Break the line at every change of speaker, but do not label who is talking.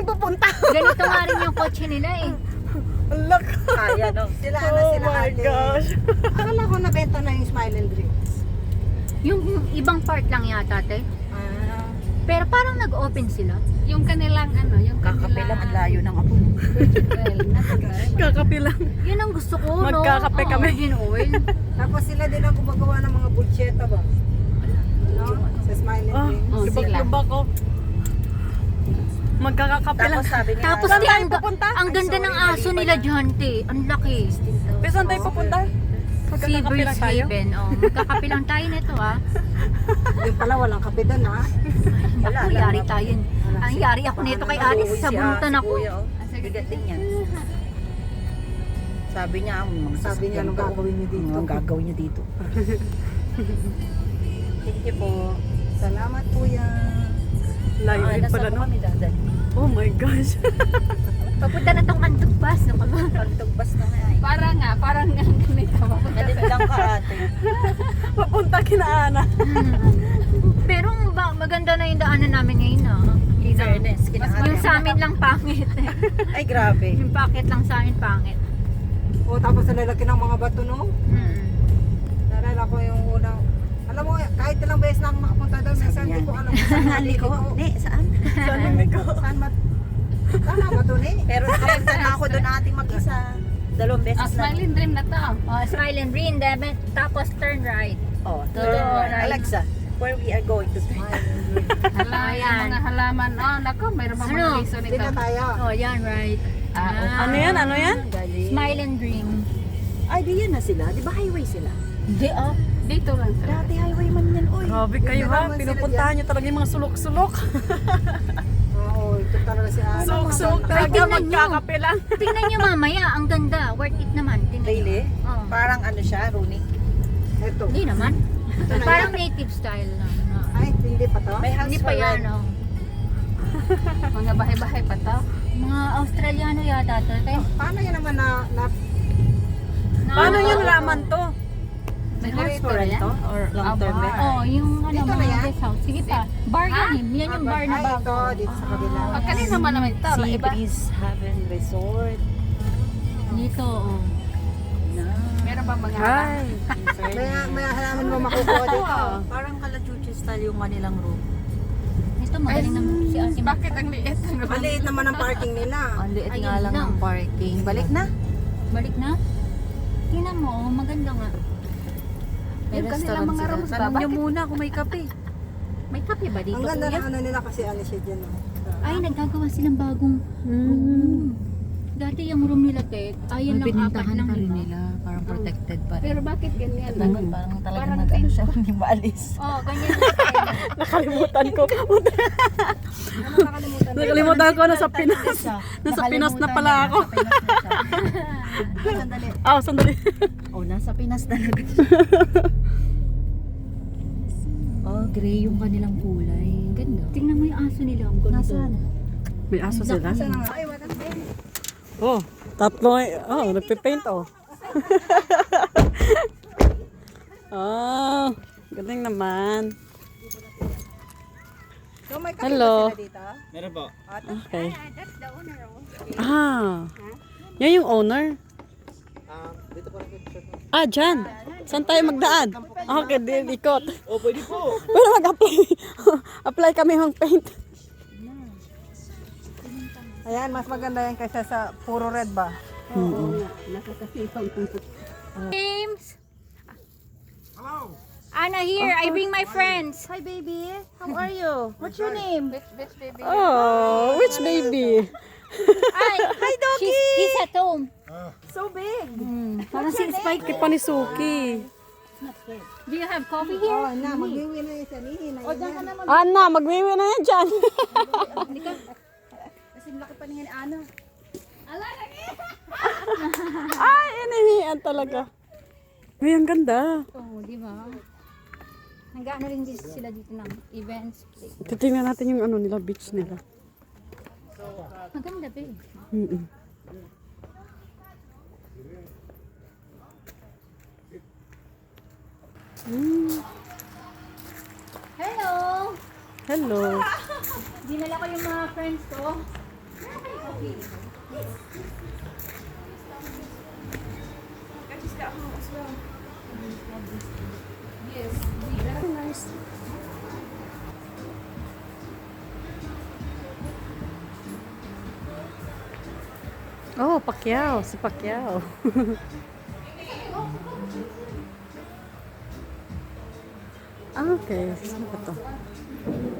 tayo pupunta?
Ganito nga rin yung kotse nila eh.
Alak.
Kaya no.
Sila
Oh
na sila
my
ate.
gosh.
Akala ko nabenta na yung Smile and Dreams.
Yung ibang part lang yata, te.
Ah.
Pero parang nag-open sila.
Yung kanilang ano, yung
Kakape lang ang layo ng apo.
Kakapi lang.
Yun ang gusto ko, no?
Magkakape kami.
Virgin oil.
Tapos sila din ang gumagawa ng mga bulcheta ba? No? Sa Smile and
Oh,
Dreams.
Oh,
lubak-lubak ko. Magkakakape lang.
Tapos sabi niya,
Tapos
Saan
di,
tayo
ang,
pupunta?
ang ganda ng aso nila dyan, te. Ang laki.
Pero saan tayo pupunta? Magkakakape
Seabirds
lang tayo.
Haven. Oh, magkakape lang tayo nito, ah.
Yung pala walang kape doon ha.
Naku, yari tayo. Ang yari ako nito kay Alice. Sa bunutan ako.
Kuya, oh. Bigat din yan. Sabi niya, ang mga
Sabi niya, anong gagawin niyo dito?
Ang gagawin niyo dito. Thank you po.
Salamat kuya.
Live din pala, no?
Kami dadali.
Oh my gosh.
Papunta na tong Antugbas. No, ka ba?
Pagtugbas na nga eh.
Parang nga ganito.
Nalit lang ka ate.
Papunta kina Ana.
Pero maganda na yung daanan namin ngayon, ah. Hindi na.
Fairness,
Yung sa amin lang pangit.
Ay grabe.
Yung packet lang sa amin pangit.
O tapos sa lalaki ng mga bato no? Nalala ko yung unang, alam mo, kahit ilang beses na ako nakapunta doon, minsan hindi ko alam kung saan
Liko.
ko.
Ne, saan?
Saan yung ko?
Saan Tama ba doon eh?
Pero nakapunta na ako doon ating mag-isa. Dalawang beses
Ah,
na.
smiling dream na to.
Oh, smile and green, Debet. Tapos turn right.
Oh,
Turn right.
Alexa, where we are going to smile.
Hala, yung
Ayan.
mga halaman. Oh, nako, mayroon pa
Ano?
mga liso
Hindi
nito.
na tayo.
Oh, yan, right.
Ano yan? Ano yan?
Smile and dream.
Ay, di yan na sila. Di ba highway sila?
Hindi, oh.
Dito lang sila.
Dati highway man yan, oy.
Grabe kayo ha.
naman sila
Pinupuntahan niyo talaga yung mga sulok-sulok.
Oo, ito talaga si Ana.
Sulok-sulok talaga.
tingnan nyo.
Magkakape lang.
Tingnan nyo mamaya, ang ganda. Worth it naman. Tingnan nyo.
Really?
Oh.
Parang ano siya, Rooney.
Ito.
Hindi naman.
Ito na
Parang
yan.
native style lang.
Ay, hindi pa to?
May house
Hindi pa
for
yan,
rent.
oh.
Mga bahay-bahay pa to.
Mga Australiano yata to. Kaya,
Paano yan naman na
Paano yung raman to?
May
House for rent to? Or long term
bar.
rent?
oh, yung ano,
Dito na
mga
yan?
guest house. Sige pa. Bar yan eh. Yan yung bar na
Ay,
bago.
ito, dito sa kabila.
Pag kanina naman ito.
Sea
Iba.
Breeze Haven Resort.
Dito, oh.
Na.
Meron pa mga
Ay.
May halaman mo makukuha dito.
Parang Kalachuchi style yung kanilang room.
Ito, magaling naman si Ate.
Bakit ang liit?
Maliit naman ang parking nila.
Ang liit
Ayun
nga lang
lang.
ng parking. Balik na.
Balik na? Tingnan mo, oh, maganda nga.
May
Yung kanilang
restaurant
mga
sila.
rooms ba?
Tanong nyo
Bakit?
muna kung may kape.
May kape ba dito,
Ang ganda
kuya?
ng ano nila kasi ano siya dyan. Oh.
Ay, nagkagawa silang bagong room. Dati yung room nila, Tek, ayan lang, apat lang, diba?
Parang protected pa rin.
Pero bakit ganyan?
Parang talaga
Parang
nag-ano siya, hindi maalis.
Oh, ganyan lang.
Nakalimutan ko.
Ano nakalimutan?
Nakalimutan ko. Nasa Pinas. Nasa Pinas na pala ako.
Sandali.
Ah, sandali.
Oh, nasa Pinas talaga. Oh, gray yung kanilang kulay. Ang ganda.
Tingnan mo yung aso nila, ang ganda.
Nasaan?
May aso sila.
Ay, wala.
Oh, tatlo. Oh, nagpipaint oh. Oh, galing naman.
So, may kape
Hello.
ba sila dito?
Meron po.
Okay. Ah, yan yung owner. Ah, dyan. Saan tayo magdaan? Okay, ikot.
Oh, pwede po.
Pero mag-apply. Apply kami ng paint.
Ayan, mas maganda yan kaysa sa puro red ba?
James! Anna here, I bring my friends.
Hi, baby. How are you? What's your name?
Bitch, baby.
Oh, which baby?
Hi, doggy! He's at home.
So big.
Parang si Spike pa ni Suki.
Do you have coffee here?
Oh, na, mag-iwi na yung sanihin. O, dyan ka naman.
Ana, magwiwi na yan dyan.
Kasing laki pa niya ni Ana.
Ay, inihian talaga. Ay, ang ganda.
Oh, di ba? Nag-ano rin din sila dito ng events.
Titingnan natin yung ano nila, beach nila.
Maganda ba eh.
Mm-mm.
Hello!
Hello.
Dinala ko yung mga friends ko.
Nice. Oh, Pacquiao, si Pacquiao. Ah, okay. Saan ba to?